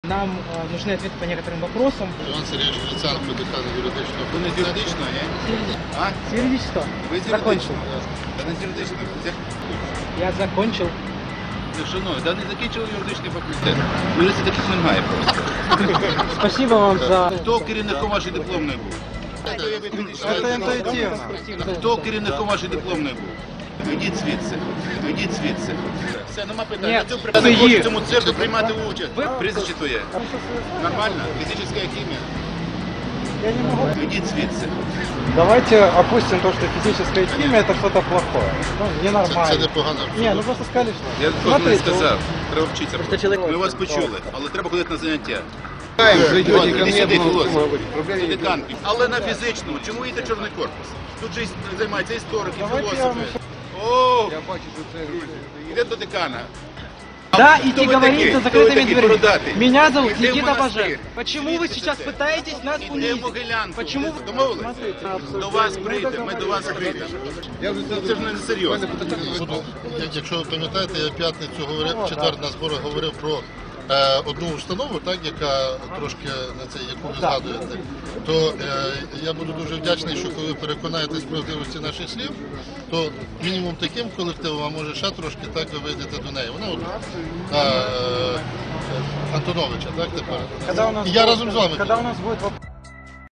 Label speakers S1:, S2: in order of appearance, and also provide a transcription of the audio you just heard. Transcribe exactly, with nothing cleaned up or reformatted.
S1: Нам э, нужны ответы по некоторым вопросам.
S2: Іван Сергійович Гриценко, декан юридичного.
S3: Ви не з юридичного, ні? А?
S1: С юридического.
S3: Ви з
S1: Закончил.
S3: юридичного? Та не з юридичного.
S1: Я закончил.
S3: Ну, шановні, та не закінчили юридичний факультет. Юристи таких немає просто.
S1: Спасибо вам за...
S3: Хто керівником вашої дипломної був?
S2: Це інтуїтивно.
S3: Хто керівником вашої дипломної був? Ідіть звідси. Ідіть звідси. Все, нема питань.
S1: Ні,
S3: Я цьому
S1: це
S3: приходжу
S1: є.
S3: в цьому цирку приймати участь.
S1: Ви-
S3: Прізвище твоє. Нормально? Фізична хімія?
S4: Я не могу.
S3: Ідіть звідси.
S4: Давайте опустим то, что физическая химия это что-то плохое. Ну,
S2: Це, це
S4: ненормально.
S2: непогано.
S4: Не, ну просто сказали, что...
S3: Я такого не
S4: Смотрите,
S3: сказав. Треба вчитися.
S1: Просто чоловік-
S3: Ми вас почули, але треба ходити на заняття.
S2: Ви
S3: Іван,
S2: йдете
S3: іди сюди, філософ.
S2: Проблем
S3: Це декан. Але на фізичному. Чому їде чорний корпус? Тут же займаються історики,
S4: Давайте я
S3: філософи.
S4: вам
S3: О, йде до декана.
S1: Да,
S3: Хто
S1: идти
S3: ви
S1: говорить
S3: такий?
S1: за
S3: Хто ви
S1: закрытыми
S3: такий
S1: дверьми.
S3: бородатий?
S1: Меня зовут
S3: Іди в
S1: Никита
S3: монастир.
S1: Бажен. Почему вы сейчас
S3: Звідси це.
S1: пытаетесь нас
S3: Іди в
S1: унизить?
S3: Могилянку.
S1: Почему вы...
S3: Домовились?
S1: Смотрите,
S3: До вас прийде, ми до вас прийдемо. Це ж не серйозно.
S2: Буду, як- якщо ви пам'ятаєте, я в п'ятницю говорив, в четвер на зборах говорив про е, одну установу, так, яка трошки на це, яку ви згадуєте, то е, я буду дуже вдячний, що коли ви переконаєтесь в правдивості наших слів, то мінімум таким колективом, а може ще трошки, так ви вийдете до неї. Вона от, е, е, Антоновича, так, тепер.
S4: когда у нас
S2: І я
S4: будет-
S2: разом з вами.
S4: Когда у нас будет вопрос...